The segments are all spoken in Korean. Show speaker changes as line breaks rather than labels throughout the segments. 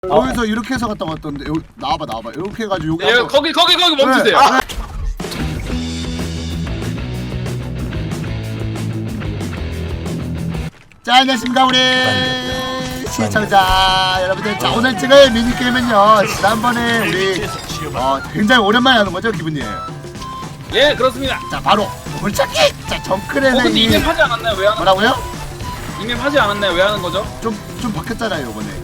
여기서 이렇게 해서 갔다 왔던데 여기 나와봐 이렇게 해가지고 여기
예,
한번-
거기 멈추세요.
네. 자, 안녕하십니까 우리 시청자 여러분들. 자, 오늘 찍을 미니게임은요 지난번에 우리 굉장히 오랜만에 하는 거죠 기분이에요.
예, 그렇습니다.
자, 바로 보물찾기. 자, 정크레는
근데 이맵 하지 않았나요? 왜 하는?
뭐라고요?
이맵 하지 않았나요? 왜 하는 거죠?
좀 바뀌었잖아요 이번에.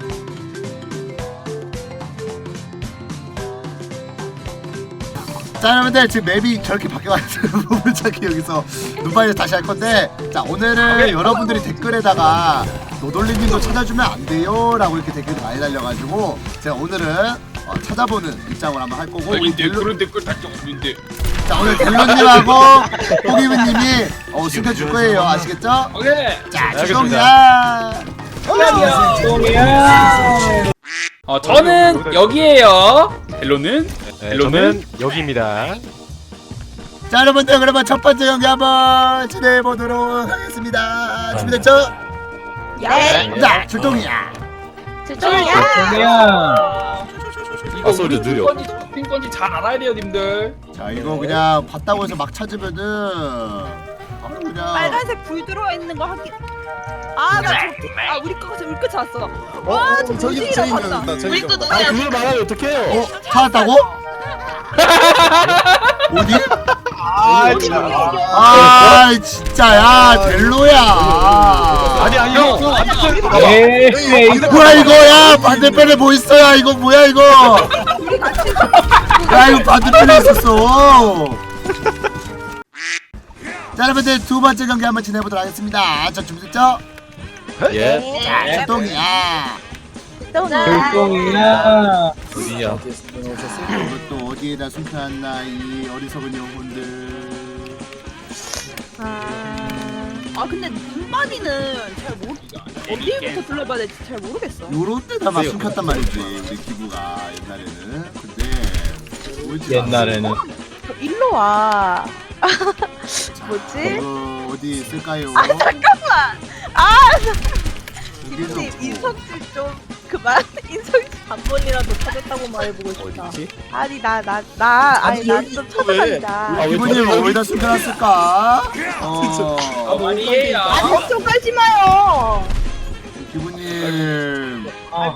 자, 여러분들 지금 맵이 저렇게 바뀌어가지고 보물찾기 여기서 눈바이를 다시 할 건데, 자, 오늘은 여러분들이 댓글에다가 노돌리님도 찾아주면 안 돼요 라고 이렇게 댓글이 많이 달려가지고 제가 오늘은 찾아보는 입장을 한번 할 거고, 우리
그런 댓글 달적 없는데.
자, 오늘 델로님하고 호기부님이 숨겨줄 거예요. 아시겠죠?
오케이.
자, 주동이야.
저는 여기에요. 헬로는
저는 여기입니다.
자, 여러분들 그러면 첫 번째 경기 한번 진행해 보도록 하겠습니다. 준비됐죠?
네.
자, 출동이야.
이거
소리
우리
느려.
팀 건지 잘 알아야 돼요, 님들.
자, 이거 그냥 봤다고 해서 막 찾으면은 바로 그냥
빨간색 불 들어와 있는 거 확인. 나 우리 거가 우리 거 찾았어. 와, 저기 봤다. 우리 거
아 그걸 말하면 어떡해요?
찾았다고? 어디? 진짜 야 델로야.
아니
형,
뭐야 이거? 야, 반대편에 뭐 있어야 이거 뭐야 이거? 야, 이거 반대편에 있었어. 자, 여러분들 두 번째 경기 한번 진행해보도록 하겠습니다. 자, 준비됐죠?
예.
자, 출동이야.
똥이야.
어디냐?
이것도 어디에다 숨겨놨나 이 어리석은 영혼들.
근데 눈만이는 잘 모르. 어디부터 둘러봐야 될지 잘 모르겠어.
요런 데다 막 숨겼단 말이지 우리 기부가 옛날에는. 근데 보이지
옛날에는
일로 와.
않아.
뭐지?
어디 있을까요?
잠깐만.
여기도
김님
없고.
인성질 좀 그만. 인성질 한 번이라도 찾았다고 말해보고 싶다.
어디지?
아니 난좀 찾아간다.
기부님 어디다 숨겨놨을까?
아니에요.
걱정 깔지 마요.
기부님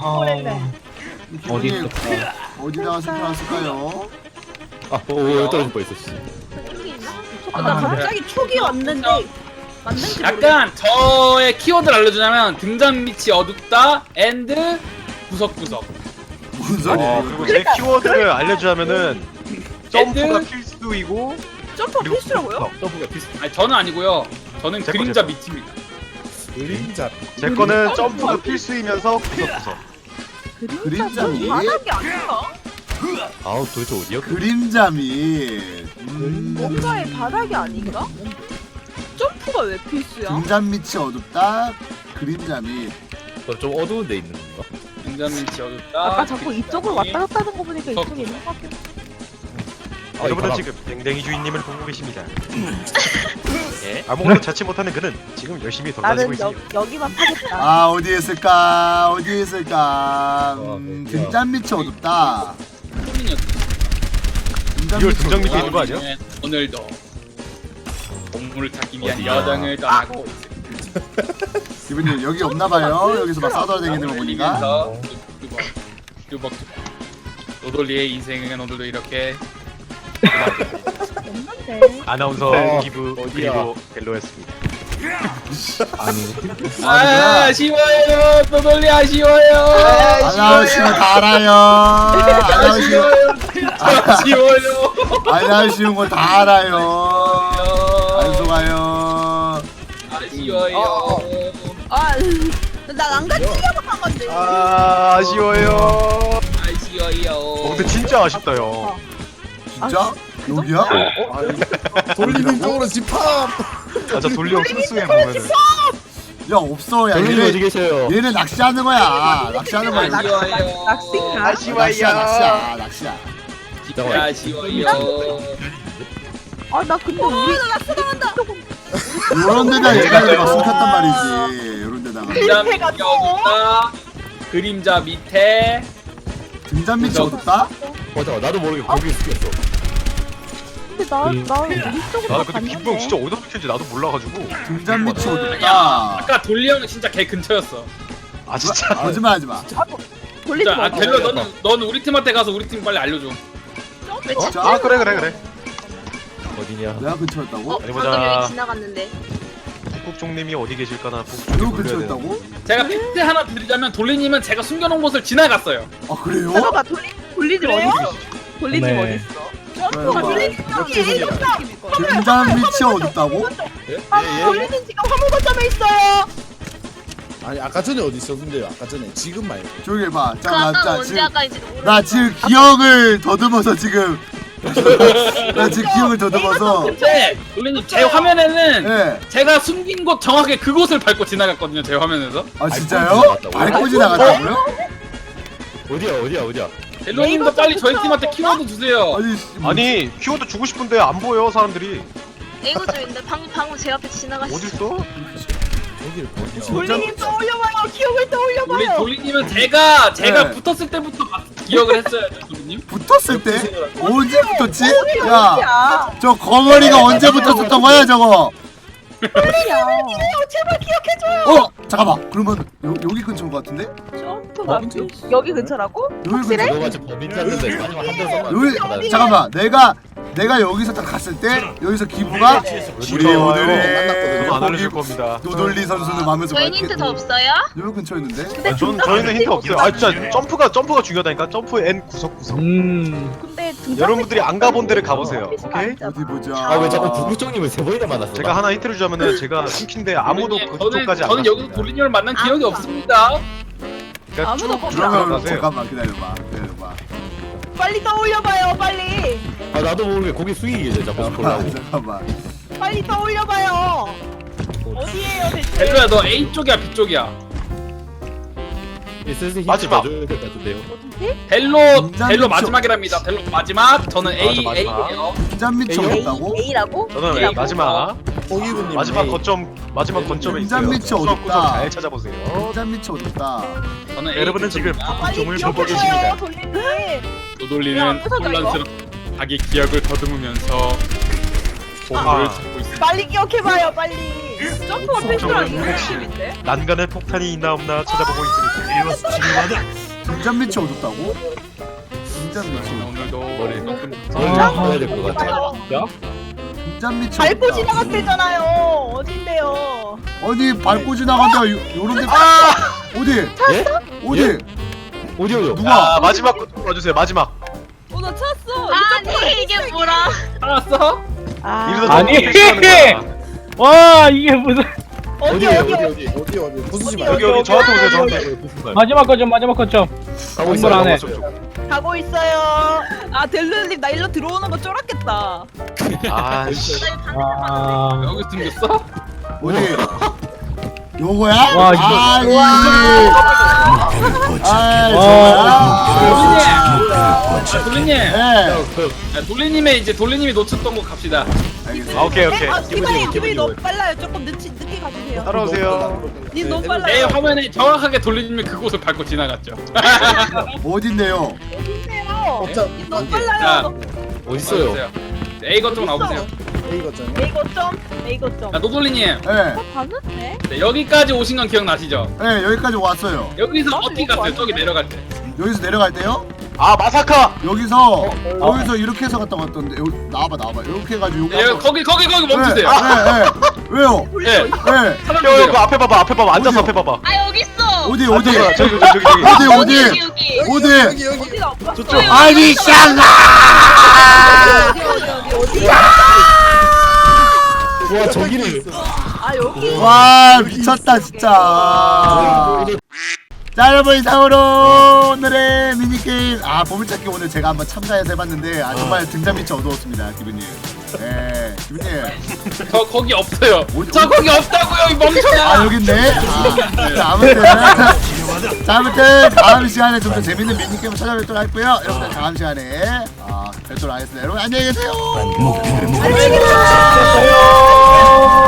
기부님 어디다가 숨겨놨을까요?
오 떨어질 뻔했어. 씨.
나 갑자기 촉이 왔는데 맞는지
약간 저의 키워드를 알려주자면 등잔 밑이 어둡다, 앤드 구석구석.
무슨 소리야?
그리고 제 키워드를 알려주자면은 점프가
엔드?
필수이고
점프 필수라고요?
점프가 비슷. 아니 저는 아니고요. 저는
제
그림자
거.
밑입니다.
제 거는 점프가 필수이면서 구석구석.
그림자 밑?
바닥이 아닌가?
아우 도대체 어디야?
그림자 밑.
뭔가의 바닥이 아닌가? 점프가 왜 필수야?
등잔 밑이 어둡다. 그림자 밑.
좀 어두운 데 있는 건가?
등잔 밑이 어둡다.
아까 자꾸 이쪽을 왔다 갔다 하는 거 보니까 이쪽에 있는 것 같긴 해.
여러분은 지금 댕댕이 주인님을 보고 계십니다. 예, 아무것도 찾지 못하는 그는 지금 열심히 돌아다니고
나는
있습니다.
여기만 파겠다.
어디에 있을까? 어디에 있을까? 등잔 밑이 어둡다. 등잔
이걸
밑이
등잔 밑에
어둡다.
있는 거 아니야?
오늘도 동물을 찾기 위한
어디야?
여정을 떠나고 있습니다.
기분님 여기 없나봐요. 여기서 막 싸돌아다니는 거 보니까.
뚜벅뚜벅. 노돌리의 인생은 오늘도 이렇게
없는데.
아나운서 기부
어디야?
그리고 벨로였습니다.
쉬워요. 노돌리 아쉬워요.
아나운시면 다 알아요.
아쉬워요.
아나운시는 거 다 알아요. 안 속아요.
아쉬워요.
난안 가지려고 한 건데.
아쉬워요.
아쉬워요.
근데 진짜 아쉽다 요.
진짜? 여기야?
돌리는 쪽으로 집합.
저 돌리형 순수해 보면은.
야, 없어. 야,
돌리님 어디
얘는
계세요?
얘는 낚시하는 거야. 낚시하는 거야.
아쉬워요.
낚시인가?
낚시야.
아쉬워요.
나 근데 우리
요런 데다 얘가 막 숨겼단 말이지. 요런 데다가.
등잔 밑이 어둡다. 그림자 밑에
등잔 밑이 어둡다?
맞아 나도 모르게 거기 숙였어.
근데 나 우리 쪽으로
아 근데 김부영 진짜 어디서 붙였는지 나도 몰라가지고.
등잔 밑이
야
어둡다.
아까 돌리 형은 진짜 개 근처였어.
아 진짜.
거짓말하지 마.
돌리지
진짜 아
마.
델로 너는 우리 팀한테 가서 우리 팀 빨리 알려줘.
아 그래.
어디냐?
내가 근처였다고?
어디
방금
보자.
여기 지나갔는데.
북국종님이 어디 계실까나.
누구 근처였다고?
제가 팩트 하나 드리자면 돌리님은 제가 숨겨놓은 곳을 지나갔어요.
아 그래요?
잠깐만 돌리지 어딨어? 돌리지
네.
어딨어? 돌리지
등잔 밑이 어둡다고?
돌리는 지금 화물 거점에 있어요.
아니 아까 전에 어디 있었는데요? 아까 전에 지금 말고.
조용히 해봐.
그
자, 나,
아까
자,
언제
지금
아까인지도 모르겠어.
나 지금 기억을 더듬어서 지금 나 지금 기억을 더듬어서
근데 돌리님 제 화면에는
예.
제가 숨긴 곳 정확히 그곳을 밟고 지나갔거든요. 제 화면에서.
아 진짜요? 밟고 지나갔다고요?
어디야?
델로님도 빨리 저희 팀한테 키워드 주세요.
아니
아니 키워드 주고 싶은데 안 보여 사람들이.
이거 좀 있는데 방금 제 앞에 지나갔어.
어딨어?
여기를 보냐?
돌리님 떠올려봐요. 기억을 떠올려봐요.
돌리님은 제가
네.
붙었을 때부터 기억을 했어요죠, 돌리님.
붙었을 때? 언제 붙었지? 야,
야,
저 거머리가 언제 붙었었던 거야 저거?
제발 기억해줘요.
잠깐만. 그러면 여기 근처인 것 같은데?
점프가 여기 근처라고?
여기 근처?
너가 지금 범인 짰는데 마지막 한 번
여기 잠깐만. 내가 여기서 딱 갔을 때 여기서 기부가 우리
저도
오늘의
안 알려줄 겁니다.
노돌리 선수는 마음에서
저희 힌트 더 없어요?
여기 근처였는데?
아, 저희는 힌트 없어요. 아 진짜 점프가 중요하다니까. 점프 N 구석구석.
근데
여러분들이 안 가본 데를 가보세요. 오케이?
어디 보자.
아왜 자꾸 부부장님을 세 번이나 만났어?
제가 하나 힌트를 주자면은 제가 숨긴데 아무도 그쪽까지 안
저는 여기서
갔습니다.
돌리님을 만난 기억이 없습니다.
그러니까
아무도
쭉
거기
그러면
들어가세요.
잠깐만 기다려봐.
빨리 떠올려봐요. 빨리.
아 나도 모르게 거기 숙이게 자꾸 보려고.
잠깐만.
빨리 떠올려봐요. 어디에요 대체?
델로야 너 A 쪽이야 B 쪽이야?
슬슬 힌트
마지막.
줘야 될 것 같은데요.
델로 마지막이랍니다. 델로 마지막. 저는 A
맞아, 마지막.
A예요.
등잔 밑이
A요?
어둡다고?
A라고?
저는
A라고?
마지막
호기부님
마지막 거점에
등잔
있어요.
밑이
구석구석
어둡다.
잘 찾아보세요.
등잔 밑이 어둡다.
저는 A
여러분은 지금
쪽입니다.
북국종을
빨리
보고
기억해줘요.
계십니다.
돌리님. 야,
노돌리는
부서져, 이거.
혼란스럽 자기 기억을 더듬으면서 보물을
아.
찾고 있습니다.
빨리 기억해봐요. 빨리. 점프가 필수랑
혹시
이거인데?
난간에 폭탄이 있나 없나 찾아보고 있습니다.
등잔 밑이 어둡다고? 등잔 밑이
오늘도
머리.
조금
해야 될 것 같아.
등잔 밑이
밟고
어둡다.
지나갔대잖아요. 어딘데요?
어디 밟고 지나간다. 요런데 어디?
예?
어디?
어디요?
누가?
아 마지막 거좀 봐주세요. 마지막.
나 찾았어.
아니 이게 뭐라?
알았어?
이러다
아니.
너무 괜찮은 거야.
와 이게 무슨
어디
어디 부수지 마.
여기 저한테 오세요. 저한테.
마지막 거점
가고
건물
있어요.
안에.
가고 있어요. 아 델르님 나 일로 들어오는 거 쫄았겠다.
아씨.
아
여기 숨겼어?
어디? 요거야?
와, 이거-
아니.
돌리님!
네.
돌리님의 이제 돌리님이 놓쳤던 곳 갑시다.
알겠습니다.
아 오케이 오케이.
아 기분이
기분이
너무 빨라요. 조금 늦게 가주세요.
따라오세요.
님 너무
내
빨라요.
화면에 정확하게 돌리님이 그곳을 밟고 지나갔죠.
어딘데요?
어디세요?
자,
님 너무
자.
빨라요.
어디 있어요?
A 거점 나오세요.
A 거점.
A 거점.
자, 노돌리님.
네.
봤는데?
네, 여기까지 오신 건 기억나시죠?
네, 여기까지 왔어요.
여기서
나도
어떻게
이거
갔어요? 저기 내려갈 때.
여기서 내려갈 때요?
아 마사카.
여기서 이렇게 해서 갔다 왔던데. 여기 나와봐. 이렇게 해가지고
네, 거기 멈추세요.
네. 왜요?
네.
네.
형 그 앞에 봐봐. 앉아서 앞에 봐봐.
아 여기 있어.
어디?
앉아서 저기.
어디?
여기.
어디?
어디가 없어?
저쪽.
아니 샹아!
어디?
와 저기를.
아 여기.
와 미쳤다 진짜. 자 여러분 이상으로 오늘의 미니게임 보물찾기 오늘 제가 한번 참가해서 해봤는데 정말 등잔 밑이 어두웠습니다 기분님. 네 기분님.
저 거기 없어요.
어디-
저 거기 없다고요, 이 멍청아.
여기 있네. 자, 아무튼 다음 시간에 좀 더 재밌는 미니게임 찾아뵙도록 할고요. 여러분들 다음 시간에 뵙도록 하겠습니다. 여러분 안녕히 계세요.
안녕히 계세요.